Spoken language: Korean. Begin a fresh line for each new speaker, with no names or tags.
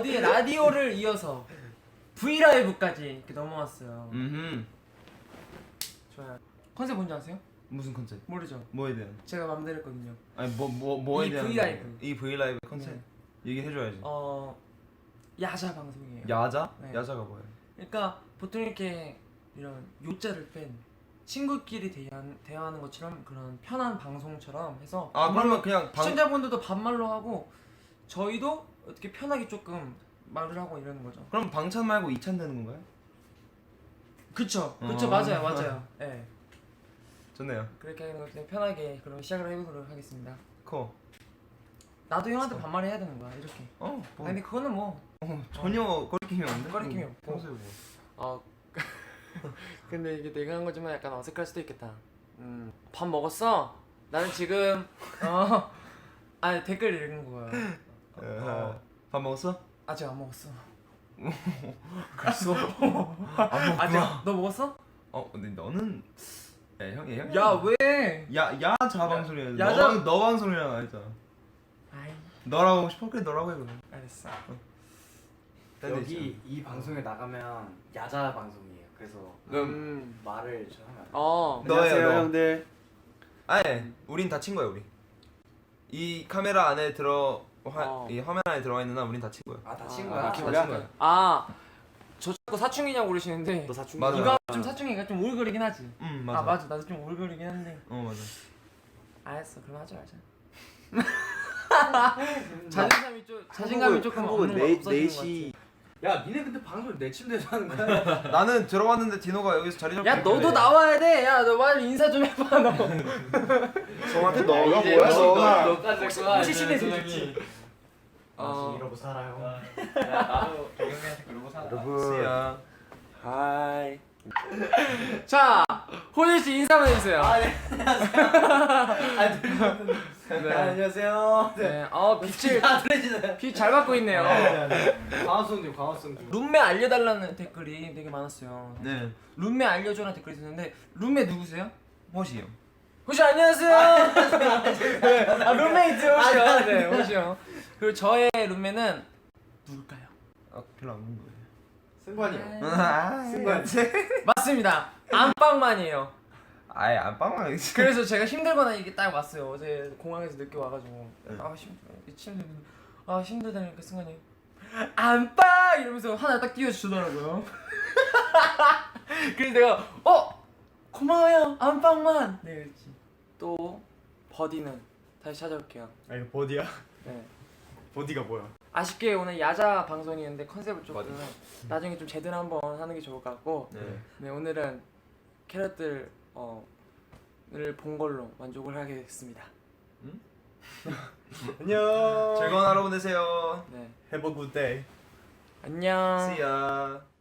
어디에 라디오를 이어서 브이라이브까지 이렇게 넘어왔어요. 좋아요. 컨셉 뭔지 아세요?
무슨 컨셉?
모르죠?
뭐에 대한?
제가 맘대로 했거든요.
아니 뭐에
이
대한?
브이라이브.
이 브이라이브 컨셉
네.
얘기해줘야지.
야자 방송이에요.
야자?
네.
야자가 뭐예요?
그러니까 보통 이렇게 이런 요자를 뺀 친구끼리 대화하는 것처럼 그런 편한 방송처럼 해서
그러면 그냥
시청자분들도 반말로 하고 저희도 어떻게 편하게 조금 말을 하고 이러는 거죠.
그럼 방찬 말고 이찬 되는 건가요?
그쵸 맞아요. 네.
좋네요.
그렇게 하는 거 그냥 편하게 그럼 시작을 해보도록 하겠습니다.
나도
형한테 반말해야 되는 거야 이렇게. 근데 그거는 뭐
전혀 거리낌이 없는데?
거리낌이 없고.
평소에 뭐.
근데 이게 내가 한 거지만 약간 어색할 수도 있겠다. 밥 먹었어? 나는 지금 댓글 읽은 거야.
밥 먹었어?
아직 안 먹었어.
그랬어?
아직 너 먹었어?
근데 너는 형이
야 왜?
야자 방송이야.
야자-
너 방송이랑 아니잖아.
아이
너라고 하고 싶어? 그래 너라고 해 그럼.
알았어.
여기 이 방송에 나가면 야자 방송이에요. 그래서 말을 좀 하면 안 돼요.
너예요, 너.
형들.
아니 우린 다친 거야 우리. 이 카메라 안에 이 화면 안에 들어가 있는 한 우린 다친 거야.
다친
다친
거야?
거야.
저 자꾸 사춘기냐고 그러시는데
너 사춘기.
맞아.
이거 좀 사춘기가 좀 오글거리긴 하지.
맞아.
맞아 나도 좀 오글거리긴 한데.
맞아.
알았어 그럼 하지 말자. 자신감이 조금 없는 거 없어지는 것 같아.
야 니네 근데 방송 내 침대에서 하는 거야?
나는 들어갔는데 디노가 여기서 자리 잡고
야 너도 나와야 돼. 야 너 말 인사 좀 해봐 너.
성한테 너가
이제
뭐야
너가
너가.
혹시 신내서 좋지.
이러고 살아요.
나도 경영이한테 그러고 살아.
씨야.
하이.
자 호준 씨 인사 한번 해주세요.
안녕하세요.
네. 빛 잘 받고 있네요.
광합성 좀.
룸메 알려달라는 댓글이 되게 많았어요.
네.
룸메 알려줘라는 댓글이 있었는데 룸메 누구세요?
호시요.
호시 안녕하세요. 룸메이트 호시요. 네 호시요. 그리고 저의 룸메는 누굴까요?
별로 안 먹는 거예요.
승관이요. 승관.
맞습니다. 안방만이에요.
아예 안방만.
그래서 제가 힘들거나 이게 딱 왔어요. 어제 공항에서 늦게 와가지고 힘들다니까 승관이 안방 이러면서 하나 딱 띄워주더라고요. 그래서 내가 고마워요 안방만. 네 그렇지. 또 버디는 다시 찾아올게요.
이거 버디야?
네.
버디가 뭐야?
아쉽게 오늘 야자 방송이었는데 컨셉을 조금 나중에 좀 제대로 한번 하는 게 좋을 것 같고 네 오늘은 캐럿들 을 본 걸로 만족을 하겠습니다.
안녕.
즐거운 하루 보내세요.
네
Have a good day.
안녕.
See ya.